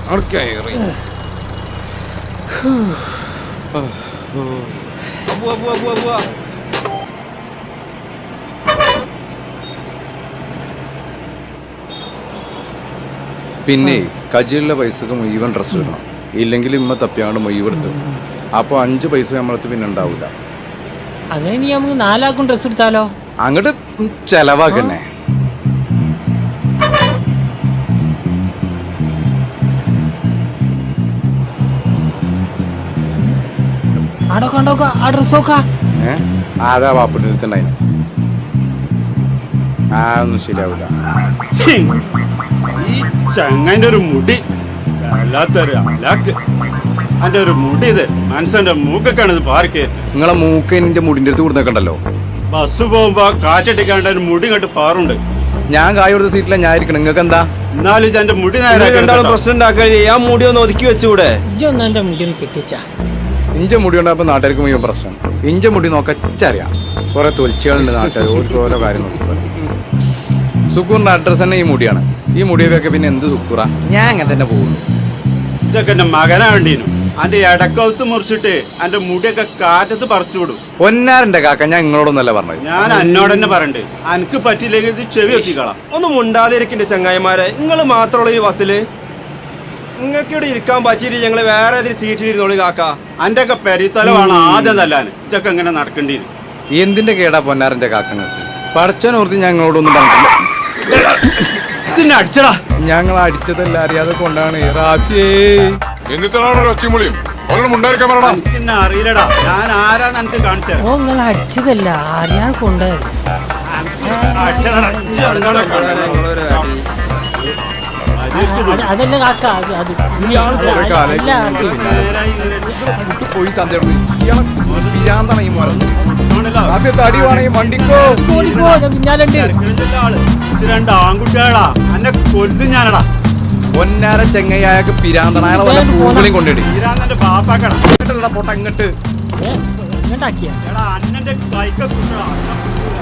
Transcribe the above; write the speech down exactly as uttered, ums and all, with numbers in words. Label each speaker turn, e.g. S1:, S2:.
S1: പിന്നെ കജിലുള്ള പൈസക്ക് മുഴുവൻ ഡ്രസ്സ് ഇടണം, ഇല്ലെങ്കിൽ ഇമ്മ തപ്പിയാണ്ട് മുഴുവെടുത്ത്. അപ്പോൾ അഞ്ച് പൈസ നമ്മളടുത്ത് പിന്നെ ഉണ്ടാവില്ല.
S2: അങ്ങനെ നമുക്ക് നാലാക്കും ഡ്രസ് എടുത്താലോ?
S1: അങ്ങോട്ട് ചെലവാക്കന്നെ. ഏഹ് ആരാ വാപ്പിട്ടുണ്ടായി? ആ ഒന്നും ശരിയാവില്ല.
S3: ഈ ചങ്ങന്റെ ഒരു മുടി വല്ലാത്തൊരു അലാക്ക്. അന്റെ ഒരു മുടി ഇത് മനസ്സിന്റെ മൂക്കൊക്കെയാണ് ഇത് പാർക്ക്.
S1: നിങ്ങളെ മൂക്ക് എന്റെ മുടിന്റെ അടുത്ത് കൊടുത്തേക്കണ്ടല്ലോ.
S3: ബസ് പോകുമ്പോ കാറ്റടിക്കാണ്ട് ഒരു മുടി കണ്ട് പാറുണ്ട്.
S1: ഞാൻ കായ് കൊടുത്ത സീറ്റിലാണ് ഞാൻ ഇരിക്കണം. നിങ്ങൾക്ക് എന്താ?
S3: എന്നാലും എന്റെ മുടി നേരെ
S4: പ്രശ്നം ഉണ്ടാക്കാൻ ആ മുടി ഒന്ന് ഒതുക്കി വെച്ചുകൂടെ?
S1: ഇഞ്ച മുടി ഉണ്ടായപ്പോ നാട്ടുകാർക്ക് മുഴുവൻ പ്രശ്നം. ഇഞ്ച മുടി നോക്കച്ചറിയാം. കുറെ തൊലിച്ചുകളുണ്ട് നാട്ടുകാർ, ഓരോ ഓരോ കാര്യം നോക്കി. സുക്കൂറിന്റെ അഡ്രസ് തന്നെ ഈ മുടിയാണ്. ഈ മുടിയൊക്കെ പിന്നെ എന്ത് സുക്കൂറ? ഞാൻ അങ്ങനെ തന്നെ പോകുള്ളൂ.
S3: ഇതൊക്കെ എന്റെ മകനാ വേണ്ടീനു. അന്റെ ഇടക്കൗത്ത് മുറിച്ചിട്ട് അന്റെ മുടിയൊക്കെ കാറ്റത്ത് പറിച്ചു വിടും.
S1: പൊന്നാരന്റെ കാക്ക, ഞാൻ നിങ്ങളോടൊന്നല്ല പറഞ്ഞത്.
S3: ഞാൻ എന്നോട് തന്നെ പറയണ്ട്, അനക്ക് പറ്റില്ലെങ്കിൽ ഇത് ചെവി വെത്തിക്കളാം.
S4: ഒന്ന് മുണ്ടാതിരിക്കണ്ടേ ചങ്ങായിമാരെ? നിങ്ങൾ മാത്രമുള്ള ഈ ബസ്സില് നിങ്ങൾക്ക് ഇവിടെ ഇരിക്കാൻ പറ്റിയിട്ട് ഞങ്ങള് വേറെ ഏതൊരു സീറ്റിൽ ഇരുന്നോളി കാക്ക.
S3: അന്റെ ഒക്കെ പെരിത്തലമാണ് ആദ്യം നല്ലാൻ. ഇതൊക്കെ എങ്ങനെ നടക്കേണ്ടി?
S1: എന്തിന്റെ കേടാ പൊന്നാരന്റെ കാക്കങ്ങൾക്ക്? പടച്ചോനോർത്ത് ഞങ്ങളോടൊന്നും പറഞ്ഞില്ല.
S3: അടിച്ചടാ,
S1: ഞങ്ങൾ അടിച്ചതല്ല, അറിയാതെ കൊണ്ടാണ്.
S3: അറിയില്ലടാ ഞാൻ ആരാന്ന് എനിക്ക് കാണിച്ചത്.
S2: ഓ നിങ്ങൾ അടിച്ചതല്ല, അറിയാതെ കൊണ്ടുപോയി. അതല്ല കാക്ക, അത്
S1: പോയി വണ്ടിക്കോ
S2: പിന്നാലുണ്ട്.
S3: രണ്ട് ആൺകുട്ടികളാ, എന്നെ കൊല്ലും ഞാനടാ.
S1: പൊന്നാര ചെങ്ങയ്യായ പിരാന്തനായ കൊണ്ടിടി.
S3: പിരാന്തന്റെ ബാപ്പാക്കടാ
S1: പൊട്ട ഇങ്ങട്ട്
S2: ഇങ്ങോട്ടാക്കിയ
S3: അന്നന്റെ കൈക്ക കുട്ടടാ.